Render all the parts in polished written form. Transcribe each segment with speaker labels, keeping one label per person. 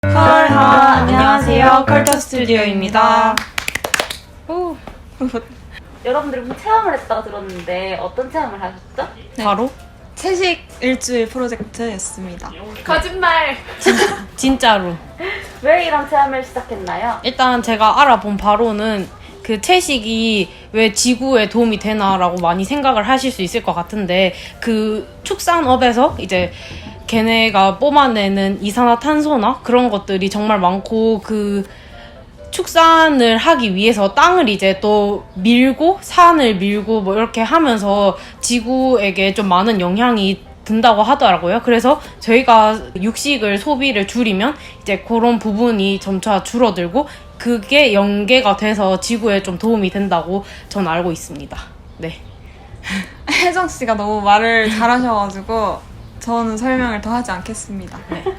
Speaker 1: 안녕하세요. 컬터 스튜디오입니다.
Speaker 2: 여러분들이 무슨 체험을 했다고 들었는데 어떤 체험을 하셨죠?
Speaker 1: 바로
Speaker 3: 채식 일주일 프로젝트였습니다.
Speaker 2: 거짓말!
Speaker 1: 진짜로.
Speaker 2: 왜 이런 체험을 시작했나요?
Speaker 1: 일단 제가 알아본 바로는 그 채식이 왜 지구에 도움이 되나라고 많이 생각을 하실 수 있을 것 같은데, 그 축산업에서 이제 걔네가 뿜어내는 이산화탄소나 그런 것들이 정말 많고, 그 축산을 하기 위해서 땅을 이제 또 밀고 산을 밀고 뭐 이렇게 하면서 지구에게 좀 많은 영향이 든다고 하더라고요. 그래서 저희가 육식을 소비를 줄이면 이제 그런 부분이 점차 줄어들고 그게 연계가 돼서 지구에 좀 도움이 된다고 전 알고 있습니다. 네.
Speaker 3: 혜정 씨가 너무 말을 잘하셔가지고 저는 설명을 더 하지 않겠습니다.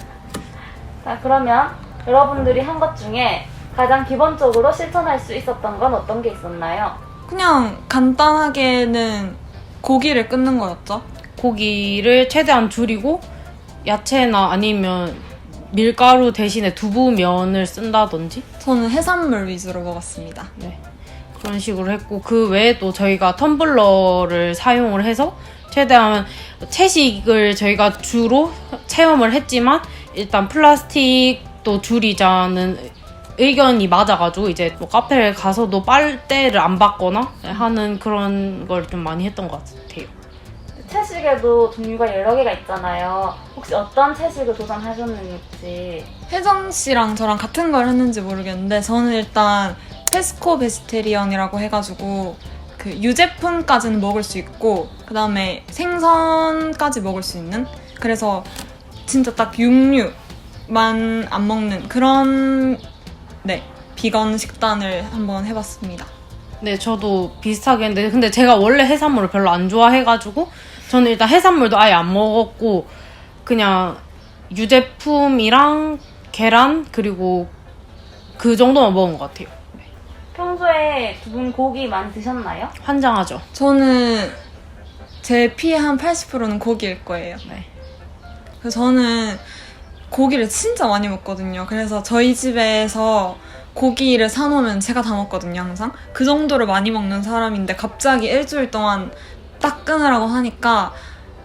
Speaker 2: 자, 그러면 여러분들이 한 것 중에 가장 기본적으로 실천할 수 있었던 건 어떤 게 있었나요?
Speaker 3: 그냥 간단하게는 고기를 끊는 거였죠.
Speaker 1: 고기를 최대한 줄이고 야채나 아니면 밀가루 대신에 두부면을 쓴다든지
Speaker 3: 저는 해산물 위주로 먹었습니다.
Speaker 1: 네. 그런 식으로 했고, 그 외에도 저희가 텀블러를 사용을 해서 최대한 채식을 저희가 주로 체험을 했지만 일단 플라스틱도 줄이자는 의견이 맞아가지고 이제 뭐 카페를 가서도 빨대를 안 받거나 하는 그런 걸 좀 많이 했던 것 같아요.
Speaker 2: 채식에도 종류가 여러 개가 있잖아요. 혹시 어떤 채식을 도전하셨는지.
Speaker 3: 혜정 씨랑 저랑 같은 걸 했는지 모르겠는데 저는 일단 페스코 베지테리언이라고 해가지고 그 유제품까지는 먹을 수 있고 그 다음에 생선까지 먹을 수 있는, 그래서 진짜 딱 육류만 안 먹는 그런 비건 식단을 한번 해봤습니다.
Speaker 1: 네, 저도 비슷하게 했는데 근데 제가 원래 해산물을 별로 안 좋아해가지고 저는 일단 해산물도 아예 안 먹었고 그냥 유제품이랑 계란 그리고 그 정도만 먹은 것 같아요.
Speaker 2: 평소에 두 분 고기 많이 드셨나요?
Speaker 1: 환장하죠.
Speaker 3: 저는 제 피의 한 80%는 고기일 거예요.
Speaker 1: 네.
Speaker 3: 그래서 저는 고기를 진짜 많이 먹거든요. 그래서 저희 집에서 고기를 사놓으면 제가 다 먹거든요, 항상. 그 정도로 많이 먹는 사람인데 갑자기 일주일 동안 딱 끊으라고 하니까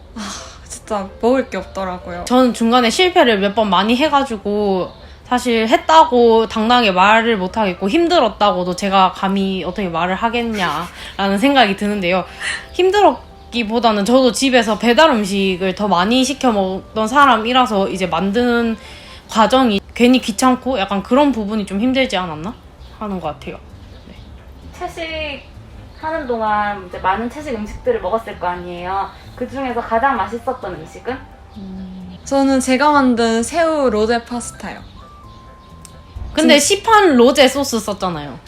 Speaker 3: 진짜 먹을 게 없더라고요.
Speaker 1: 저는 중간에 실패를 몇 번 많이 해가지고 사실 했다고 당당하게 말을 못하겠고 힘들었다고도 제가 감히 어떻게 말을 하겠냐라는 생각이 드는데요. 힘들었기보다는 저도 집에서 배달 음식을 더 많이 시켜 먹던 사람이라서 이제 만드는 과정이 괜히 귀찮고 약간 그런 부분이 좀 힘들지 않았나 하는 것 같아요. 네.
Speaker 2: 채식 하는 동안 이제 많은 채식 음식들을 먹었을 거 아니에요. 그 중에서 가장 맛있었던 음식은?
Speaker 3: 저는 제가 만든 새우 로제 파스타요.
Speaker 1: 근데 시판 로제 소스 썼잖아요.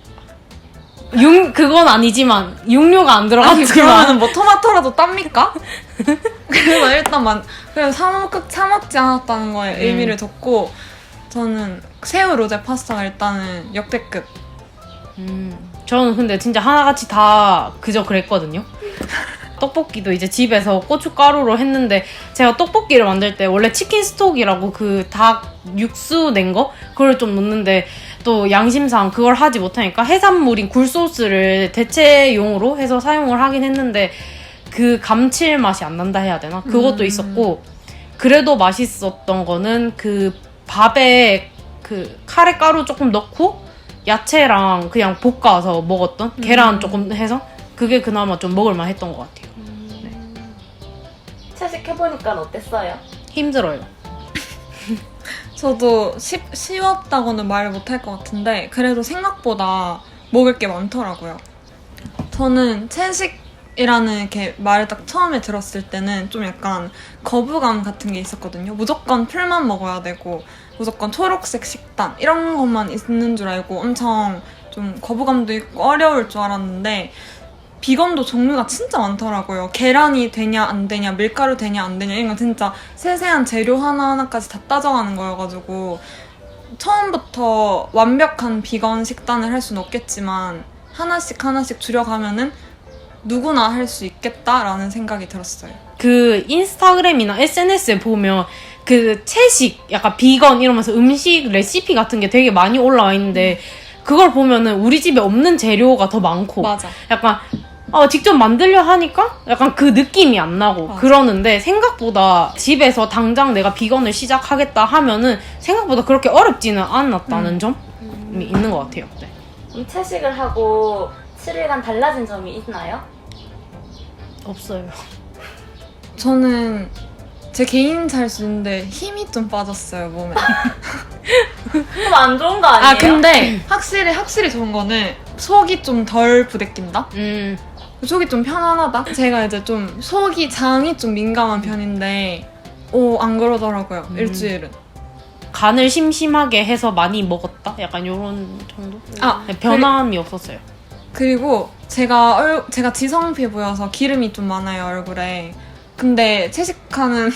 Speaker 1: 그건 아니지만 육류가 안
Speaker 3: 아니
Speaker 1: 들어갔지만
Speaker 3: 그러면은 뭐 토마토라도 땁니까? 그래서 일단 그래서 사 먹지 않았다는 거에 의미를 뒀고 저는 새우 로제 파스타가 일단은 역대급.
Speaker 1: 저는 근데 진짜 하나같이 다 그저 그랬거든요. 떡볶이도 이제 집에서 고춧가루로 했는데 제가 떡볶이를 만들 때 원래 치킨 스톡이라고 그 닭 육수 낸 거 그걸 좀 넣는데 또 양심상 그걸 하지 못하니까 해산물인 굴소스를 대체용으로 해서 사용을 하긴 했는데 그 감칠맛이 안 난다 해야 되나? 그것도 있었고, 그래도 맛있었던 거는 그 밥에 그 카레가루 조금 넣고 야채랑 그냥 볶아서 먹었던 계란 조금 해서 그게 그나마 좀 먹을만 했던 것 같아요.
Speaker 2: 채식 해보니까 어땠어요?
Speaker 1: 힘들어요.
Speaker 3: 저도 쉬웠다고는 말을 못할 것 같은데 그래도 생각보다 먹을 게 많더라고요. 저는 채식이라는 이렇게 말을 딱 처음에 들었을 때는 좀 약간 거부감 같은 게 있었거든요. 무조건 풀만 먹어야 되고 무조건 초록색 식단 이런 것만 있는 줄 알고 엄청 좀 거부감도 있고 어려울 줄 알았는데 비건도 종류가 진짜 많더라고요. 계란이 되냐 안 되냐, 밀가루 되냐 안 되냐 이런 거 진짜 세세한 재료 하나하나까지 다 따져가는 거여가지고 처음부터 완벽한 비건 식단을 할 수는 없겠지만 하나씩 하나씩 줄여가면은 누구나 할 수 있겠다라는 생각이 들었어요.
Speaker 1: 그 인스타그램이나 SNS에 보면 그 채식, 약간 비건 이러면서 음식 레시피 같은 게 되게 많이 올라와 있는데 그걸 보면은 우리 집에 없는 재료가 더 많고
Speaker 3: 맞아.
Speaker 1: 약간 직접 만들려 하니까 약간 그 느낌이 안 나고
Speaker 3: 맞아.
Speaker 1: 그러는데 생각보다 집에서 당장 내가 비건을 시작하겠다 하면은 생각보다 그렇게 어렵지는 않았다는 점이 있는 것 같아요. 네.
Speaker 2: 이 채식을 하고 7일간 달라진 점이 있나요?
Speaker 1: 없어요.
Speaker 3: 저는 제 개인 잘수인데 힘이 좀 빠졌어요, 몸에.
Speaker 2: 좀 안 좋은 거 아니에요?
Speaker 3: 아, 근데 확실히 좋은 거는 속이 좀 덜 부대낀다? 속이 좀 편안하다? 제가 이제 좀 장이 좀 민감한 편인데, 안 그러더라고요, 일주일은.
Speaker 1: 간을 심심하게 해서 많이 먹었다? 약간 요런 정도? 변함이 없었어요.
Speaker 3: 그리고 제가 지성 피부여서 기름이 좀 많아요, 얼굴에. 근데 채식하는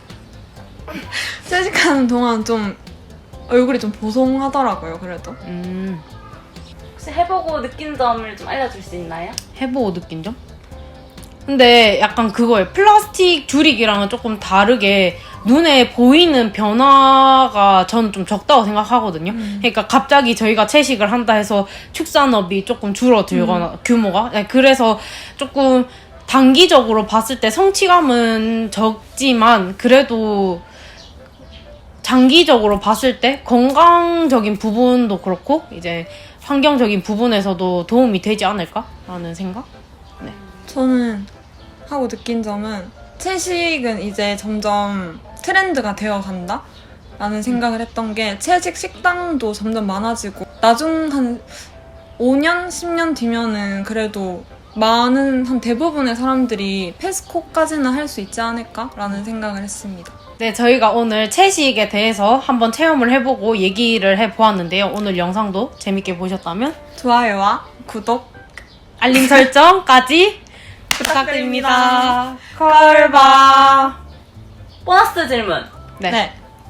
Speaker 3: 동안 좀 얼굴이 좀 보송하더라고요, 그래도.
Speaker 2: 혹시 해보고 느낀 점을 좀 알려줄 수 있나요?
Speaker 1: 해보고 느낀 점? 근데 약간 그거예요. 플라스틱 줄이기랑은 조금 다르게 눈에 보이는 변화가 저는 좀 적다고 생각하거든요. 그러니까 갑자기 저희가 채식을 한다 해서 축산업이 조금 줄어들거나 규모가. 네, 그래서 조금 단기적으로 봤을 때 성취감은 적지만 그래도 장기적으로 봤을 때 건강적인 부분도 그렇고 이제 환경적인 부분에서도 도움이 되지 않을까라는 생각? 네.
Speaker 3: 저는 하고 느낀 점은 채식은 이제 점점 트렌드가 되어 간다? 라는 생각을 했던 게 채식 식당도 점점 많아지고 나중 한 5년, 10년 뒤면은 그래도 한 대부분의 사람들이 패스코까지는 할 수 있지 않을까라는 생각을 했습니다.
Speaker 1: 네, 저희가 오늘 채식에 대해서 한번 체험을 해보고 얘기를 해보았는데요. 오늘 영상도 재밌게 보셨다면
Speaker 3: 좋아요와 구독,
Speaker 1: 알림 설정까지 부탁드립니다. 컬바.
Speaker 2: 보너스 질문.
Speaker 1: 네.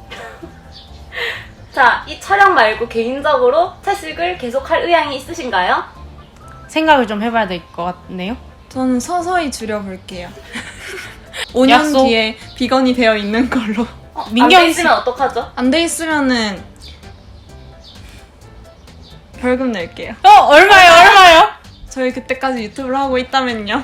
Speaker 2: 자, 이 촬영 말고 개인적으로 채식을 계속할 의향이 있으신가요?
Speaker 1: 생각을 좀 해봐야 될 것 같네요.
Speaker 3: 저는 서서히 줄여볼게요. 5년
Speaker 1: 약속.
Speaker 3: 뒤에 비건이 되어 있는 걸로.
Speaker 1: 민경
Speaker 2: 안
Speaker 1: 씨.
Speaker 2: 있으면 어떡하죠?
Speaker 3: 안 돼 있으면은 벌금 낼게요.
Speaker 1: 얼마요?
Speaker 3: 저희 그때까지 유튜브를 하고 있다면요.